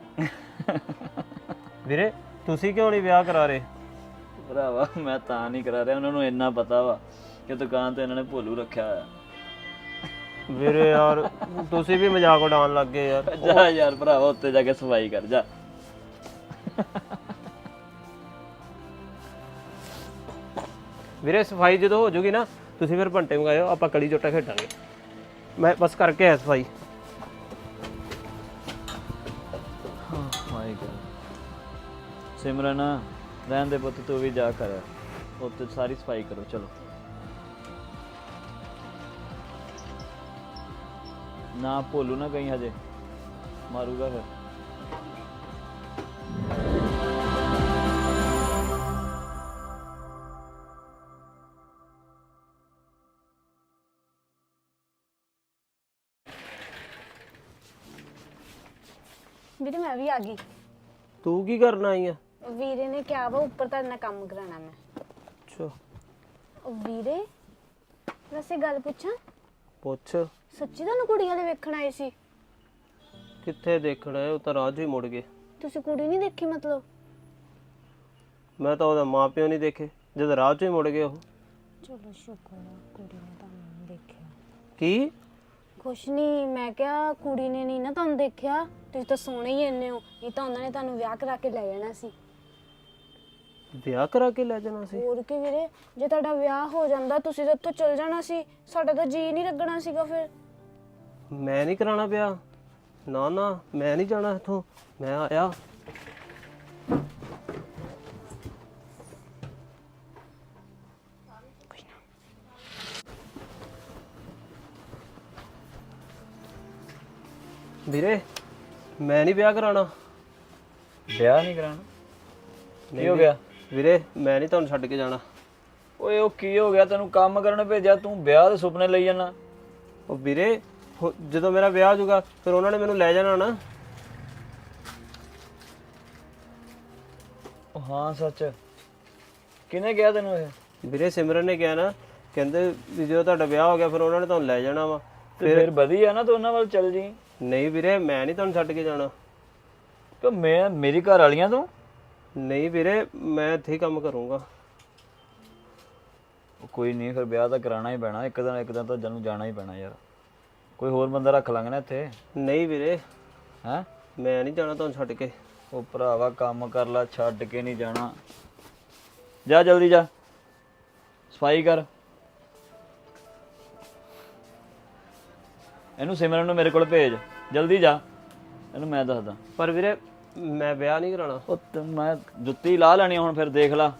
Speaker 4: ਵੀਰੇ ਤੁਸੀਂ ਕਿਉਂ ਨਹੀਂ ਵਿਆਹ ਕਰਾ ਰਹੇ?
Speaker 1: ਭਰਾਵਾ ਮੈਂ ਤਾਂ ਨਹੀਂ ਕਰਾ ਰਿਹਾ, ਉਹਨਾਂ ਨੂੰ ਇੰਨਾ ਪਤਾ ਵਾ ਕਿ ਦੁਕਾਨ ਤੇ ਇਹਨਾਂ ਨੇ ਭੋਲੂ ਰੱਖਿਆ ਹੋਇਆ।
Speaker 4: ਵੀਰੇ ਯਾਰ ਤੁਸੀਂ ਵੀ ਮਜ਼ਾਕ ਉਡਾਉਣ ਲੱਗ ਗਏ ਯਾਰ।
Speaker 1: ਜਾ ਯਾਰ ਭਰਾਵਾ, ਉੱਤੇ ਜਾ ਕੇ ਸਫਾਈ ਕਰ ਜਾ।
Speaker 4: ਵੀਰੇ ਸਫਾਈ ਜਦੋਂ ਹੋ ਜੂਗੀ ਨਾ ਤੁਸੀਂ ਫਿਰ ਭੰਟੇ ਮੰਗਾਇਓ, ਆਪਾਂ ਕਲੀ ਜੋਟਾ ਖੇਡਾਂਗੇ। ਮੈਂ ਬਸ ਕਰਕੇ ਆਇਆ ਸਫਾਈ।
Speaker 1: ਮਾਈ ਗॉड ਸਿਮਰਨ ਰਹਿਣ ਦੇ ਪੁੱਤ, ਤੂੰ ਵੀ ਜਾ ਕਰ ਉੱਤੇ ਸਾਰੀ ਸਫਾਈ ਕਰੋ। ਚਲੋ ਨਾ ਭੋਲੂ ਨਾ ਕहीं ਹਜੇ ਮਾਰੂਗਾ ਫਿਰ।
Speaker 3: ਵੀਰੇ ਮੈਂ ਵੀ ਆ ਗਈ।
Speaker 4: ਤੂੰ ਕੀ ਕਰਨ ਆਈ ਆ?
Speaker 3: ਵੀਰੇ ਨੇ ਕਿਹਾ ਵਾ ਉੱਪਰ ਤੁਹਾਡੇ ਨਾਲ ਕੰਮ ਕਰਾਉਣਾ ਮੈਂ।
Speaker 4: ਅੱਛਾ
Speaker 3: ਵੀਰੇ ਵੈਸੇ ਗੱਲ ਪੁੱਛਾਂ,
Speaker 4: ਪੁੱਛ।
Speaker 3: ਸੱਚੀ ਤੁਹਾਨੂੰ ਕੁੜੀਆਂ ਦੇ ਵੇਖਣ ਆਏ ਸੀ?
Speaker 4: ਕਿੱਥੇ ਦੇਖਣਾ ਹੈ, ਉਹ ਤਾਂ ਰਾਜ ਹੀ ਮੁੜ ਗਏ।
Speaker 3: ਤੁਸੀਂ ਕੁੜੀ ਨਹੀਂ ਦੇਖੀ ਮਤਲਬ?
Speaker 4: ਮੈਂ ਤਾਂ ਉਹਦਾ ਮਾਂ ਪਿਓ ਨਹੀਂ ਦੇਖੇ, ਜਦ ਰਾਜ ਹੀ ਮੁੜ ਗਏ ਉਹ।
Speaker 3: ਚਲੋ ਸ਼ੁਕਰ ਆ ਕੁੜੀ ਨੇ ਤੁਹਾਨੂੰ ਨਹੀਂ ਦੇਖਿਆ।
Speaker 4: ਕੀ?
Speaker 3: ਕੁਛ ਨਹੀਂ, ਮੈਂ ਕਿਹਾ ਕੁੜੀ ਨੇ ਨਹੀਂ ਨਾ ਤੁਹਾਨੂੰ ਦੇਖਿਆ, ਤੁਸੀਂ ਤਾਂ ਸੋਹਣੇ ਹੀ ਇੰਨੇ ਹੋ, ਨਹੀਂ ਤਾਂ ਉਹਨਾਂ ਨੇ ਤੁਹਾਨੂੰ ਵਿਆਹ ਕਰਾ ਕੇ ਲੈ ਜਾਣਾ ਸੀ।
Speaker 4: ਵਿਆਹ ਕਰਾ ਕੇ ਲੈ ਜਾਣਾ ਸੀ?
Speaker 3: ਹੋਰ ਕੀ ਵੀਰੇ, ਜੇ ਤੁਹਾਡਾ ਵਿਆਹ ਹੋ ਜਾਂਦਾ ਤੁਸੀਂ ਤਾਂ ਇੱਥੋਂ ਚਲ ਜਾਣਾ ਸੀ, ਸਾਡਾ ਤਾਂ ਜੀ ਨਹੀਂ ਲੱਗਣਾ ਸੀਗਾ ਫਿਰ।
Speaker 4: ਮੈਂ ਨਹੀਂ ਕਰਾਉਣਾ ਵਿਆਹ, ਨਾ ਨਾ ਮੈਂ ਨਹੀਂ ਜਾਣਾ ਇੱਥੋਂ, ਮੈਂ ਆਇਆ। ਵੀਰੇ ਮੈਂ ਨਹੀਂ ਵਿਆਹ ਕਰਾਉਣਾ।
Speaker 1: ਵਿਆਹ ਨਹੀਂ ਕਰਾਉਣਾ?
Speaker 4: ਨਹੀਂ
Speaker 1: ਕੀ ਹੋ ਗਿਆ?
Speaker 4: ਵੀਰੇ ਮੈਂ ਨਹੀਂ ਤੁਹਾਨੂੰ ਛੱਡ ਕੇ ਜਾਣਾ।
Speaker 1: ਓਏ ਉਹ ਕੀ ਹੋ ਗਿਆ? ਤੈਨੂੰ ਕੰਮ ਕਰਨ ਭੇਜਿਆ, ਤੂੰ ਵਿਆਹ ਦੇ ਸੁਪਨੇ ਲਈ ਜਾਣਾ।
Speaker 4: ਉਹ ਵੀਰੇ ਜਦੋਂ ਮੇਰਾ ਵਿਆਹ ਹੋ ਜਾਊਗਾ ਫਿਰ ਉਹਨਾਂ ਨੇ ਮੈਨੂੰ ਲੈ ਜਾਣਾ ਨਾ।
Speaker 1: ਉਹ ਹਾਂ ਸੱਚ, ਕਿਹਨੇ ਕਿਹਾ ਤੈਨੂੰ ਇਹ?
Speaker 4: ਵੀਰੇ ਸਿਮਰਨ ਨੇ ਕਿਹਾ ਨਾ, ਕਹਿੰਦੇ ਵੀ ਜਦੋਂ ਤੁਹਾਡਾ ਵਿਆਹ ਹੋ ਗਿਆ ਫਿਰ ਉਹਨਾਂ ਨੇ ਤੁਹਾਨੂੰ ਲੈ ਜਾਣਾ ਵਾ।
Speaker 1: ਤੇ ਫਿਰ ਵਧੀਆ ਨਾ, ਤੂੰ ਉਹਨਾਂ ਵੱਲ ਚੱਲ ਜੀ।
Speaker 4: ਨਹੀਂ ਵੀਰੇ ਮੈਂ ਨਹੀਂ ਤੁਹਾਨੂੰ ਛੱਡ ਕੇ ਜਾਣਾ।
Speaker 1: ਕਿ ਮੈਂ ਮੇਰੀ ਘਰ ਵਾਲੀਆਂ ਤੂੰ?
Speaker 4: ਨਹੀਂ ਵੀਰੇ ਮੈਂ ਇੱਥੇ ਹੀ ਕੰਮ ਕਰੂੰਗਾ।
Speaker 1: ਕੋਈ ਨਹੀਂ, ਫਿਰ ਵਿਆਹ ਤਾਂ ਕਰਾਉਣਾ ਹੀ ਪੈਣਾ, ਇੱਕ ਦਿਨ ਤਾਂ ਜਾਨੂੰ ਜਾਣਾ ਹੀ ਪੈਣਾ ਯਾਰ। ਕੋਈ ਹੋਰ ਬੰਦਾ ਰੱਖ ਲਾਂਗੇ ਨਾ ਇੱਥੇ।
Speaker 4: ਨਹੀਂ ਵੀਰੇ
Speaker 1: ਹੈਂ?
Speaker 4: ਮੈਂ ਨਹੀਂ ਜਾਣਾ ਤੁਹਾਨੂੰ ਛੱਡ ਕੇ।
Speaker 1: ਉਹ ਭਰਾਵਾ ਕੰਮ ਕਰ ਲਾ, ਛੱਡ ਕੇ ਨਹੀਂ ਜਾਣਾ। ਜਾ ਜਲਦੀ ਜਾ, ਸਫਾਈ ਕਰ। ਇਹਨੂੰ ਸਿਮਰਨ ਨੂੰ ਮੇਰੇ ਕੋਲ ਭੇਜ, ਜਲਦੀ ਜਾ, ਇਹਨੂੰ ਮੈਂ ਦੱਸਦਾ।
Speaker 4: ਪਰ ਵੀਰੇ ਮੈਂ ਵਿਆਹ ਨਹੀਂ ਕਰਾਉਣਾ।
Speaker 1: ਉਹ ਮੈਂ ਜੁੱਤੀ ਲਾ ਲੈਣੀ ਹੁਣ, ਫਿਰ ਦੇਖ ਲਾ।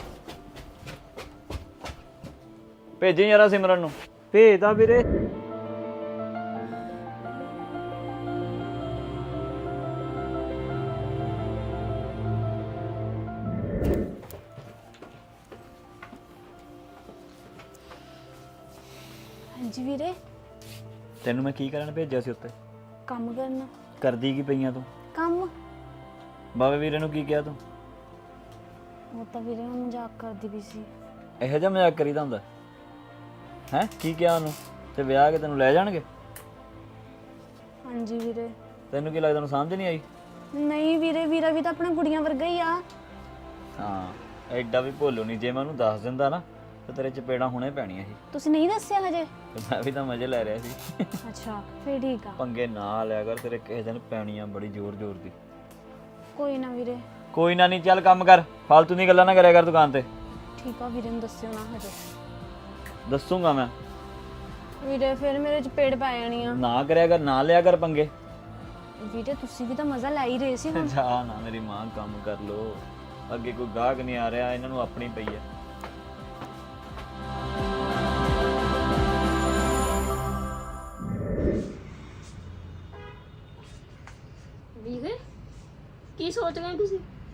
Speaker 1: ਭੇਜੀ ਯਾਰਾ ਸਿਮਰਨ ਨੂੰ।
Speaker 4: ਭੇਜਦਾ ਵੀਰੇ।
Speaker 3: ਹਾਂਜੀ ਵੀਰੇ।
Speaker 1: ਤੈਨੂੰ ਮੈਂ ਕੀ ਕਰਨ ਭੇਜਿਆ ਸੀ ਉੱਤੇ?
Speaker 3: ਕੰਮ ਕਰਨਾ।
Speaker 1: ਕਰਦੀ ਕੀ ਪਈਆਂ ਤੂੰ?
Speaker 3: ਕੰਮ।
Speaker 1: ਬਾਵੇ ਵੀਰੇ ਨੂੰ ਕੀ ਕਿਹਾ ਤੂੰ?
Speaker 3: ਉਹ ਤਾਂ ਵੀਰੇ ਮੈਂ ਮਜ਼ਾਕ ਕਰਦੀ ਵੀ ਸੀ।
Speaker 1: ਇਹੋ ਜਿਹਾ ਮਜ਼ਾਕ ਕਰੀਦਾ ਹੁੰਦਾ ਹੈ? ਕੀ ਕਿਹਾ ਉਹਨੂੰ? ਤੇ ਵਿਆਹ ਕੇ ਤੈਨੂੰ ਲੈ ਜਾਣਗੇ?
Speaker 3: ਹਾਂਜੀ ਵੀਰੇ।
Speaker 1: ਤੈਨੂੰ ਕੀ ਲੱਗਦਾ ਉਹਨੂੰ ਸਮਝ ਨਹੀਂ ਆਈ?
Speaker 3: ਨਹੀਂ ਵੀਰੇ, ਵੀਰਾ ਵੀ ਤਾਂ ਆਪਣਾ ਕੁੜੀਆਂ ਵਰਗਾ ਹੀ ਆ।
Speaker 1: ਹਾਂ ਐਡਾ ਵੀ ਭੋਲੂ ਨਹੀਂ, ਜੇ ਮੈਂ ਉਹਨੂੰ ਦੱਸ ਦਿੰਦਾ ਨਾ ਤੇ ਤੇਰੇ ਚਪੇੜਾਂ ਹੁਣੇ ਪੈਣੀਆਂ ਸੀ।
Speaker 3: ਤੁਸੀਂ ਨਹੀਂ ਦੱਸਿਆ ਹਜੇ?
Speaker 1: ਤੇ ਮੈਂ ਵੀ ਤਾਂ ਮਜ਼ੇ ਲੈ ਰਿਹਾ ਸੀ।
Speaker 3: ਅੱਛਾ ਫਿਰ ਠੀਕ ਆ।
Speaker 1: ਪੰਗੇ ਨਾ ਲਿਆ ਕਰ, ਤੇਰੇ ਕਿਸੇ ਦਿਨ ਪੈਣੀਆਂ ਬੜੀ ਜ਼ੋਰ ਜ਼ੋਰ ਦੀ।
Speaker 3: ਕੋਈ ਨਾ ਵੀਰੇ।
Speaker 1: ਕੋਈ ਨਾ, ਨਹੀਂ ਚੱਲ ਕੰਮ ਕਰ, ਫालतू ਦੀ ਗੱਲਾਂ ਨਾ ਕਰਿਆ ਕਰ ਦੁਕਾਨ ਤੇ।
Speaker 3: ਠੀਕ ਆ ਵੀਰੇ ਨੂੰ ਦੱਸਿਓ ਨਾ ਹਜੇ।
Speaker 1: ਦੱਸੂਗਾ ਮੈਂ।
Speaker 3: ਵੀਰੇ ਫਿਰ ਮੇਰੇ ਚ ਪੇੜ ਪੈ ਜਾਣੀ ਆ।
Speaker 1: ਨਾ ਕਰਿਆ ਕਰ, ਨਾ ਲਿਆ ਕਰ ਪੰਗੇ।
Speaker 3: ਵੀਰੇ ਤੁਸੀਂ ਵੀ ਤਾਂ ਮਜ਼ਾ ਲੈ ਹੀ ਰਹੇ ਸੀ ਹੁਣ।
Speaker 1: ਜਾ ਨਾ ਮੇਰੀ ਮਾਂ, ਕੰਮ ਕਰ ਲੋ। ਅੱਗੇ ਕੋਈ ਗਾਹਕ ਨਹੀਂ ਆ ਰਿਹਾ, ਇਹਨਾਂ ਨੂੰ ਆਪਣੀ ਪਈ ਹੈ।
Speaker 2: ਵੀਰੇ ਕੀ ਸੋਚ ਰਹੇ ਹੋ ਤੁਸੀਂ?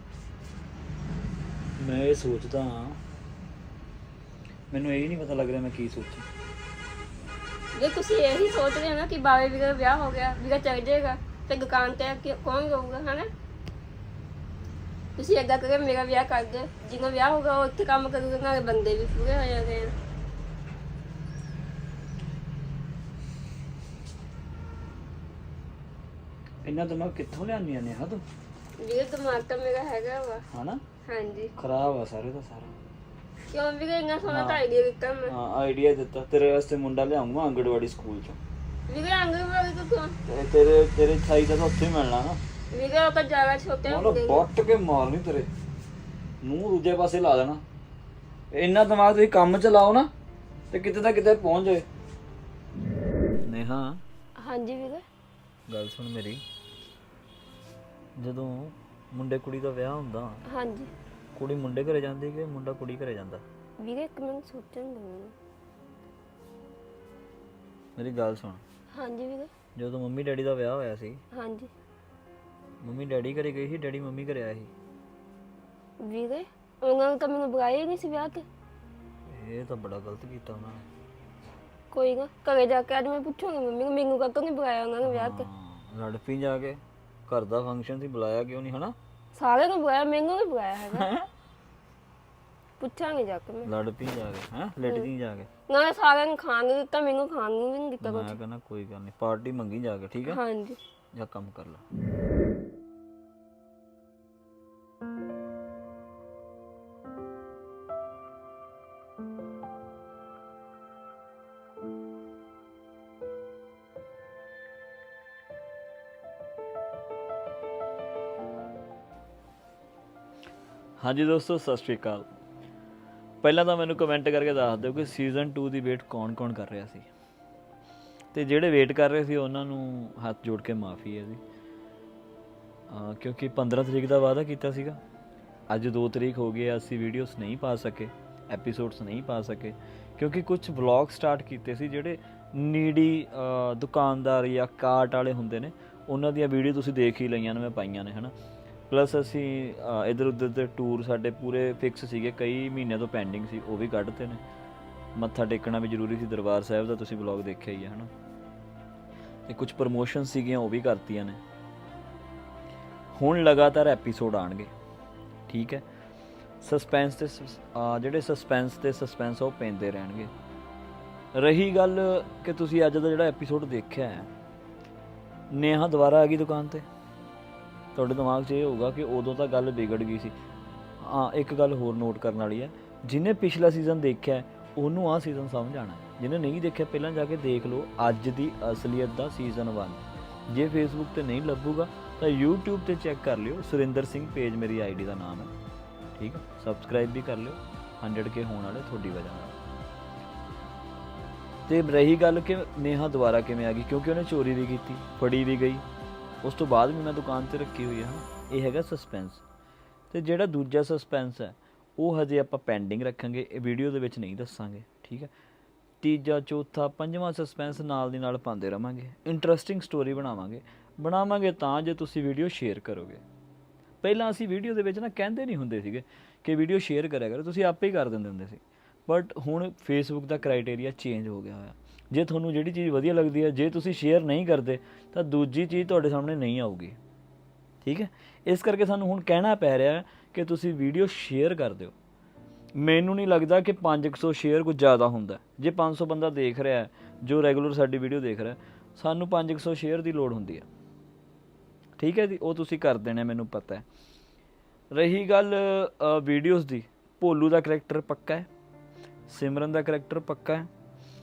Speaker 1: ਮੈਂ ਇਹ ਸੋਚਦਾ ਹਾਂ, ਮੈਨੂੰ ਇਹ ਨਹੀਂ ਪਤਾ ਲੱਗ ਰਿਹਾ ਮੈਂ ਕੀ ਸੋਚਾਂ।
Speaker 2: ਜੇ ਤੁਸੀਂ ਇਹੀ ਸੋਚ ਰਹੇ ਹੋ ਨਾ ਕਿ ਬਾਵੇ ਵੀਰੇ ਦਾ ਵਿਆਹ ਹੋ ਗਿਆ, ਵੀਰਾ ਚੱਲ ਜਾਏਗਾ ਤੇ ਦੁਕਾਨ ਤੇ ਕੌਣ ਰਹੂਗਾ, ਹਨਾ? ਤੁਸੀਂ ਏਦਾਂ ਕਰੇ ਮੇਰਾ ਵਿਆਹ ਕਰ ਦਿਓ, ਜਿਹਦਾ ਵਿਆਹ ਹੋਗਾ ਉਹ ਇੱਥੇ ਕੰਮ ਕਰੂਗਾ, ਨਾਲੇ ਬੰਦੇ ਵੀ ਪੂਰੇ ਹੋ ਜਾਣਗੇ।
Speaker 1: ਇੰਨਾ ਦਿਮਾਗ ਕਿੱਥੋਂ ਲਿਆਉਂਦੀਆਂ ਨੇ ਤੂੰ?
Speaker 2: ਵੀਰੇ ਦਿਮਾਗ ਤਾਂ ਮੇਰਾ ਹੈਗਾ ਵਾ।
Speaker 1: ਹਨਾ?
Speaker 2: ਹਾਂਜੀ।
Speaker 1: ਖਰਾਬ ਆ ਸਾਰੇ ਦਾ ਸਾਰਾ।
Speaker 2: ਕਿਉਂ ਵੀਰੇ ਇੰਨਾ ਸੋਹਣਾ ਤਾਂ ਆਈਡੀਆ ਦਿੱਤਾ ਮੈਂ।
Speaker 1: ਹਾਂ ਆਈਡੀਆ ਦਿੱਤਾ, ਤੇਰੇ ਵਾਸਤੇ ਮੁੰਡਾ ਲਿਆਉਂਗਾ ਅੰਗੜਵਾੜੀ ਸਕੂਲ ਚੋਂ।
Speaker 2: ਵੀਰੇ ਆਂਗਣਵਾੜੀ ਤੋਂ ਕਿਉਂ?
Speaker 1: ਤੇ ਤੇਰੇ ਸਾਈਜ਼ ਦਾ ਤਾਂ ਉੱਥੇ ਹੀ ਮਿਲਣਾ ਨਾ।
Speaker 2: ਵੀਰੇ ਉਹ ਤਾਂ ਜ਼ਿਆਦਾ ਛੋਟੇ
Speaker 1: ਉਹਨੂੰ
Speaker 2: ਹੁੰਦੇ ਨੇ।
Speaker 1: ਬੱਟ ਕੇ ਮਾਰਨੀ, ਤੇਰੇ ਮੂੰਹ ਦੂਜੇ ਪਾਸੇ ਲਾ ਦੇਣਾ। ਇੰਨਾ ਦਿਮਾਗ ਤੁਸੀਂ ਕੰਮ ਚ ਲਾਓ ਨਾ ਤੇ ਕਿਤੇ ਤਾਂ ਕਿਤੇ ਪਹੁੰਚ ਜਾਏ। ਨੇਹਾ
Speaker 2: ਹਾਂਜੀ ਵੀਰੇ।
Speaker 1: ਗੱਲ ਸੁਣ ਮੇਰੀ, ਜਦੋਂ ਮੁੰਡੇ ਕੁੜੀ ਦਾ ਵਿਆਹ ਹੁੰਦਾ,
Speaker 2: ਹਾਂਜੀ
Speaker 1: ਕੁੜੀ ਮੁੰਡੇ ਘਰੇ ਜਾਂਦੀ ਕਿ ਮੁੰਡਾ ਕੁੜੀ ਘਰੇ ਜਾਂਦਾ?
Speaker 2: ਵੀਰੇ ਇੱਕ ਮਿੰਟ ਸੋਚਣ ਦਿਓ ਮੈਨੂੰ।
Speaker 1: ਮੇਰੀ ਗੱਲ ਸੁਣ,
Speaker 2: ਹਾਂਜੀ ਵੀਰੇ।
Speaker 1: ਜਦੋਂ ਮੰਮੀ ਡੈਡੀ ਦਾ ਵਿਆਹ ਹੋਇਆ ਸੀ,
Speaker 2: ਹਾਂਜੀ
Speaker 1: ਮੰਮੀ ਡੈਡੀ ਘਰੇ ਗਈ ਸੀ, ਡੈਡੀ ਮੰਮੀ ਘਰੇ ਆਇਆ ਸੀ?
Speaker 2: ਵੀਰੇ ਉਹਨਾਂ ਨੇ ਤਾਂ ਮੈਨੂੰ ਬੁਲਾਇਆ ਹੀ ਨਹੀਂ ਸੀ ਵਿਆਹ ਤੇ।
Speaker 1: ਇਹ ਤਾਂ ਬੜਾ ਗਲਤ ਕੀਤਾ ਉਹਨਾਂ ਨੇ।
Speaker 2: ਕੋਈ ਨਾ ਘਰੇ ਜਾ ਕੇ ਅੱਜ ਮੈਂ ਪੁੱਛੂੰਗੀ ਮੰਮੀ ਨੂੰ ਮੈਨੂੰ ਕਾਹਤੋਂ ਨਹੀਂ ਬੁਲਾਇਆ ਉਹਨਾਂ ਨੇ ਵਿਆਹ ਤੇ।
Speaker 1: ਹਾਂ, ਲੜ ਪਈ ਜਾ ਕੇ, ਘਰ ਦਾ ਫੰਕਸ਼ਨ ਸੀ, ਬੁਲਾਇਆ ਕਿਉਂ ਨਹੀਂ ਹਨਾ?
Speaker 2: ਸਾਰਿਆਂ ਨੂੰ ਬੁਲਾਇਆ ਮੈਨੂੰ ਨਹੀਂ ਬੁਲਾਇਆ ਹੈਗਾ। ਪੁੱਛਾਂਗੇ ਜਾ ਕੇ ਮੈਂ।
Speaker 1: ਲੜ ਪਈ ਜਾ ਕੇ, ਹੈਂ ਲੜ ਗਈ ਜਾ ਕੇ।
Speaker 2: ਨਾਲੇ ਸਾਰਿਆਂ ਨੂੰ ਖਾਣ ਨੂੰ ਦਿੱਤਾ, ਮੈਨੂੰ ਖਾਣ ਨੂੰ ਵੀ ਨਹੀਂ ਦਿੱਤਾ ਕੁਝ।
Speaker 1: ਮੈਂ ਕਹਿੰਦਾ ਕੋਈ ਗੱਲ ਨਹੀਂ, ਪਾਰਟੀ ਮੰਗੀ ਜਾ ਕੇ, ਠੀਕ ਹੈ?
Speaker 2: ਹਾਂਜੀ
Speaker 1: ਜਾ ਕੰਮ ਕਰ ਲੈ। ਹਾਂਜੀ ਦੋਸਤੋ, ਸਤਿ ਸ਼੍ਰੀ ਅਕਾਲ। ਪਹਿਲਾਂ ਤਾਂ ਮੈਨੂੰ ਕਮੈਂਟ ਕਰਕੇ ਦੱਸ ਦਿਓ ਕਿ ਸੀਜ਼ਨ 2 ਦੀ ਵੇਟ ਕੌਣ-ਕੌਣ ਕਰ ਰਿਹਾ ਸੀ, ਤੇ ਜਿਹੜੇ ਵੇਟ ਕਰ ਰਹੇ ਸੀ ਉਹਨਾਂ ਨੂੰ ਹੱਥ ਜੋੜ ਕੇ ਮਾਫੀ ਹੈ ਜੀ, ਕਿਉਂਕਿ 15 ਤਰੀਕ ਦਾ ਵਾਅਦਾ ਕੀਤਾ ਸੀਗਾ। ਅੱਜ 2 ਤਰੀਕ ਹੋ ਗਈ, ਅਸੀਂ ਵੀਡੀਓਜ਼ ਨਹੀਂ ਪਾ ਸਕੇ, ਐਪੀਸੋਡਸ ਨਹੀਂ ਪਾ ਸਕੇ, ਕਿਉਂਕਿ ਕੁਝ ਵਲੌਗ ਸਟਾਰਟ ਕੀਤੇ ਸੀ ਜਿਹੜੇ ਨੀਡੀ ਦੁਕਾਨਦਾਰ ਜਾਂ ਕਾਰਟ ਵਾਲੇ ਹੁੰਦੇ ਨੇ, ਉਹਨਾਂ ਦੀਆਂ ਵੀਡੀਓ ਤੁਸੀਂ ਦੇਖ ਹੀ ਲਈਆਂ ਨੇ, ਮੈਂ ਪਾਈਆਂ ਨੇ ਹੈ ਨਾ। ਪਲੱਸ ਅਸੀਂ ਇੱਧਰ ਉੱਧਰ ਦੇ ਟੂਰ ਸਾਡੇ ਪੂਰੇ ਫਿਕਸ ਸੀਗੇ, ਕਈ ਮਹੀਨਿਆਂ ਤੋਂ ਪੈਂਡਿੰਗ ਸੀ, ਉਹ ਵੀ ਕੱਢਤੇ ਨੇ। ਮੱਥਾ ਟੇਕਣਾ ਵੀ ਜ਼ਰੂਰੀ ਸੀ ਦਰਬਾਰ ਸਾਹਿਬ ਦਾ, ਤੁਸੀਂ ਵਲੌਗ ਦੇਖਿਆ ਹੀ ਹੈ ਹੈ ਨਾ। ਤੇ ਕੁਝ ਪ੍ਰਮੋਸ਼ਨ ਸੀਗੀਆਂ, ਉਹ ਵੀ ਕਰਤੀਆਂ ਨੇ। ਹੁਣ ਲਗਾਤਾਰ ਐਪੀਸੋਡ ਆਉਣਗੇ, ਠੀਕ ਹੈ? ਸਸਪੈਂਸ ਤੇ ਜਿਹੜੇ ਸਸਪੈਂਸ ਉਹ ਪੈਂਦੇ ਰਹਿਣਗੇ। ਰਹੀ ਗੱਲ ਕਿ ਤੁਸੀਂ ਅੱਜ ਦਾ ਜਿਹੜਾ ਐਪੀਸੋਡ ਦੇਖਿਆ ਹੈ, ਨੇਹਾ ਦੁਬਾਰਾ ਆ ਗਈ ਦੁਕਾਨ ਤੇ, ਤੁਹਾਡੇ ਦਿਮਾਗ 'ਚ ਇਹ ਹੋਊਗਾ ਕਿ ਉਦੋਂ ਤਾਂ ਗੱਲ ਵਿਗੜ ਗਈ ਸੀ। ਹਾਂ, ਇੱਕ ਗੱਲ ਹੋਰ ਨੋਟ ਕਰਨ ਵਾਲੀ ਹੈ, ਜਿਹਨੇ ਪਿਛਲਾ ਸੀਜ਼ਨ ਦੇਖਿਆ ਉਹਨੂੰ ਆਹ ਸੀਜ਼ਨ ਸਮਝ ਆਉਣਾ, ਜਿਹਨੇ ਨਹੀਂ ਦੇਖਿਆ ਪਹਿਲਾਂ ਜਾ ਕੇ ਦੇਖ ਲਓ ਅੱਜ ਦੀ ਅਸਲੀਅਤ ਦਾ ਸੀਜ਼ਨ 1। ਜੇ ਫੇਸਬੁੱਕ ਤੇ ਨਹੀਂ ਲੱਭੂਗਾ ਤਾਂ YouTube ਤੇ ਚੈੱਕ ਕਰ ਲਿਓ, ਸੁਰਿੰਦਰ ਸਿੰਘ ਪੇਜ ਮੇਰੀ ਆਈਡੀ ਦਾ ਨਾਮ ਹੈ, ਠੀਕ ਹੈ? ਸਬਸਕ੍ਰਾਈਬ ਵੀ ਕਰ ਲਿਓ, 100K ਹੋਣ ਵਾਲੇ ਤੁਹਾਡੀ ਵਜ੍ਹਾ ਨਾਲ। ਤੇ ਰਹੀ ਗੱਲ ਕਿ ਨੇਹਾ ਦੁਬਾਰਾ ਕਿਵੇਂ ਆ ਗਈ, ਕਿਉਂਕਿ ਉਹਨੇ ਚੋਰੀ ਵੀ ਕੀਤੀ, ਫੜੀ ਵੀ ਗਈ, ਉਸ ਤੋਂ ਬਾਅਦ ਵੀ ਮੈਂ ਦੁਕਾਨ ਤੇ ਰੱਖੀ ਹੋਈ ਹੈ। ਇਹ ਹੈਗਾ ਸਸਪੈਂਸ। ਤੇ ਜਿਹੜਾ ਦੂਜਾ ਸਸਪੈਂਸ ਹੈ ਉਹ ਹਜੇ ਆਪਾਂ ਪੈਂਡਿੰਗ ਰੱਖਾਂਗੇ, ਇਹ ਵੀਡੀਓ ਦੇ ਵਿੱਚ ਨਹੀਂ ਦੱਸਾਂਗੇ, ਠੀਕ ਹੈ? ਤੀਜਾ, ਚੌਥਾ, ਪੰਜਵਾਂ ਸਸਪੈਂਸ ਨਾਲ ਦੀ ਨਾਲ ਪਾਉਂਦੇ ਰਵਾਂਗੇ, ਇੰਟਰਸਟਿੰਗ ਸਟੋਰੀ ਬਣਾਵਾਂਗੇ ਤਾਂ ਜੇ ਤੁਸੀਂ ਵੀਡੀਓ ਸ਼ੇਅਰ ਕਰੋਗੇ। ਪਹਿਲਾਂ ਅਸੀਂ ਵੀਡੀਓ ਦੇ ਵਿੱਚ ਨਾ ਕਹਿੰਦੇ ਨਹੀਂ ਹੁੰਦੇ ਸੀਗੇ ਕਿ ਵੀਡੀਓ ਸ਼ੇਅਰ ਕਰਿਆ ਕਰੋ, ਤੁਸੀਂ ਆਪੇ ਹੀ ਕਰ ਦਿੰਦੇ ਹੁੰਦੇ ਸੀ। ਬਟ ਹੁਣ ਫੇਸਬੁੱਕ ਦਾ ਕ੍ਰਾਈਟੇਰੀਆ ਚੇਂਜ ਹੋ ਗਿਆ ਹੋਇਆ। ਜੇ ਤੁਹਾਨੂੰ ਜਿਹੜੀ ਚੀਜ਼ ਵਧੀਆ ਲੱਗਦੀ ਹੈ, ਜੇ ਤੁਸੀਂ ਸ਼ੇਅਰ ਨਹੀਂ ਕਰਦੇ ਤਾਂ ਦੂਜੀ ਚੀਜ਼ ਤੁਹਾਡੇ ਸਾਹਮਣੇ ਨਹੀਂ ਆਊਗੀ, ਠੀਕ ਹੈ? ਇਸ ਕਰਕੇ ਸਾਨੂੰ ਹੁਣ ਕਹਿਣਾ ਪੈ ਰਿਹਾ ਕਿ ਤੁਸੀਂ ਵੀਡੀਓ ਸ਼ੇਅਰ ਕਰ ਦਿਓ। ਮੈਨੂੰ ਨਹੀਂ ਲੱਗਦਾ ਕਿ 500 ਸ਼ੇਅਰ ਕੁਝ ਜ਼ਿਆਦਾ ਹੁੰਦਾ। ਜੇ 500 ਬੰਦਾ ਦੇਖ ਰਿਹਾ ਹੈ ਜੋ ਰੈਗੂਲਰ ਸਾਡੀ ਵੀਡੀਓ ਦੇਖ ਰਿਹਾ, ਸਾਨੂੰ 500 ਸ਼ੇਅਰ ਦੀ ਲੋੜ ਹੁੰਦੀ ਹੈ, ਠੀਕ ਹੈ ਜੀ? ਉਹ ਤੁਸੀਂ ਕਰ ਦੇਣਾ, ਮੈਨੂੰ ਪਤਾ ਹੈ। ਰਹੀ ਗੱਲ ਵੀਡੀਓਜ਼ ਦੀ, ਭੋਲੂ ਦਾ ਕਰੈਕਟਰ ਪੱਕਾ ਹੈ, ਸਿਮਰਨ ਦਾ ਕਰੈਕਟਰ ਪੱਕਾ ਹੈ।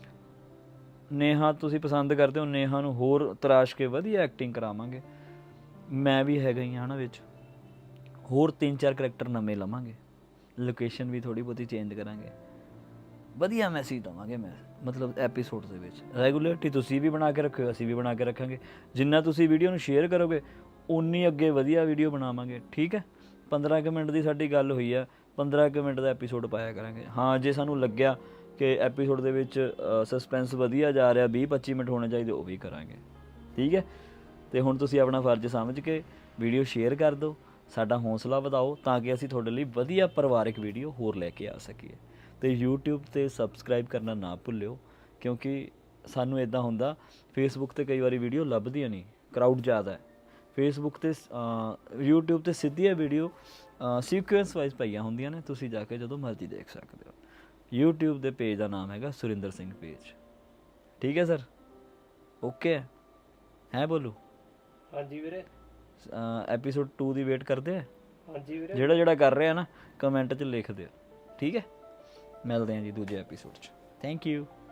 Speaker 1: ਨੇਹਾ ਤੁਸੀਂ ਪਸੰਦ ਕਰਦੇ ਹੋ, ਨੇਹਾ ਨੂੰ ਹੋਰ ਤਰਾਸ਼ ਕੇ ਵਧੀਆ ਐਕਟਿੰਗ ਕਰਾਵਾਂਗੇ। ਮੈਂ ਵੀ ਹੈਗਾ ਹੀ ਹਾਂ ਨਾ ਵਿੱਚ, ਹੋਰ 3-4 ਕਰੈਕਟਰ ਨਵੇਂ ਲਵਾਂਗੇ, ਲੋਕੇਸ਼ਨ ਵੀ ਥੋੜ੍ਹੀ ਬਹੁਤੀ ਚੇਂਜ ਕਰਾਂਗੇ, ਵਧੀਆ ਮੈਸੇਜ ਦੇਵਾਂਗੇ। ਮੈਂ ਮਤਲਬ ਐਪੀਸੋਡ ਦੇ ਵਿੱਚ ਰੈਗੂਲਰਿਟੀ ਤੁਸੀਂ ਵੀ ਬਣਾ ਕੇ ਰੱਖਿਓ, ਅਸੀਂ ਵੀ ਬਣਾ ਕੇ ਰੱਖਾਂਗੇ। ਜਿੰਨਾ ਤੁਸੀਂ ਵੀਡੀਓ ਨੂੰ ਸ਼ੇਅਰ ਕਰੋਗੇ ਉਨੀ ਅੱਗੇ ਵਧੀਆ ਵੀਡੀਓ ਬਣਾਵਾਂਗੇ, ਠੀਕ ਹੈ? 15 ਮਿੰਟ ਦੀ ਸਾਡੀ ਗੱਲ ਹੋਈ ਆ, 15 ਮਿੰਟ ਦਾ ਐਪੀਸੋਡ ਪਾਇਆ ਕਰਾਂਗੇ। ਹਾਂ, ਜੇ ਸਾਨੂੰ ਲੱਗਿਆ ਕਿ ਐਪੀਸੋਡ ਦੇ ਵਿੱਚ ਸਸਪੈਂਸ ਵਧੀਆ ਜਾ ਰਿਹਾ, 20-25 ਮਿੰਟ ਹੋਣੇ ਚਾਹੀਦੇ, ਉਹ ਵੀ ਕਰਾਂਗੇ, ਠੀਕ ਹੈ? ਤੇ ਹੁਣ ਤੁਸੀਂ ਆਪਣਾ ਫਰਜ਼ ਸਮਝ ਕੇ ਵੀਡੀਓ ਸ਼ੇਅਰ ਕਰ ਦਿਓ, ਸਾਡਾ ਹੌਸਲਾ ਵਧਾਓ ਤਾਂ ਕਿ ਅਸੀਂ ਤੁਹਾਡੇ ਲਈ ਵਧੀਆ ਪਰਿਵਾਰਿਕ ਵੀਡੀਓ ਹੋਰ ਲੈ ਕੇ ਆ ਸਕੀਏ। ਤੇ YouTube ਤੇ ਸਬਸਕ੍ਰਾਈਬ ਕਰਨਾ ਨਾ ਭੁੱਲਿਓ, ਕਿਉਂਕਿ ਸਾਨੂੰ ਇੱਦਾਂ ਹੁੰਦਾ ਫੇਸਬੁੱਕ ਤੇ ਕਈ ਵਾਰੀ ਵੀਡੀਓ ਲੱਭਦੀਆਂ ਨਹੀਂ, ਕਰਾਊਡ ਜ਼ਿਆਦਾ ਹੈ। ਫੇਸਬੁੱਕ ਤੇ YouTube ਤੇ ਸਿੱਧੀਆਂ ਵੀਡੀਓ ਸੀਕੁਐਂਸ ਵਾਈਜ਼ ਪਈਆਂ ਹੁੰਦੀਆਂ ਨੇ, ਤੁਸੀਂ ਜਾ ਕੇ ਜਦੋਂ ਮਰਜ਼ੀ ਦੇਖ ਸਕਦੇ ਹੋ। YouTube ਦੇ ਪੇਜ ਦਾ ਨਾਮ ਹੈਗਾ ਸੁਰਿੰਦਰ ਸਿੰਘ ਪੇਜ, ਠੀਕ ਹੈ ਸਰ? ਓਕੇ ਹੈ ਬੋਲੂ?
Speaker 4: ਹਾਂਜੀ ਵੀਰੇ।
Speaker 1: ਐਪੀਸੋਡ 2 ਦੀ ਵੇਟ ਕਰਦੇ ਆ?
Speaker 4: ਹਾਂਜੀ ਵੀਰੇ।
Speaker 1: ਜਿਹੜਾ ਕਰ ਰਿਹਾ ਨਾ ਕਮੈਂਟ 'ਚ ਲਿਖ ਦਿਓ, ਠੀਕ ਹੈ? ਮਿਲਦੇ ਹਾਂ ਜੀ ਦੂਜੇ ਐਪੀਸੋਡ 'ਚ। Thank you.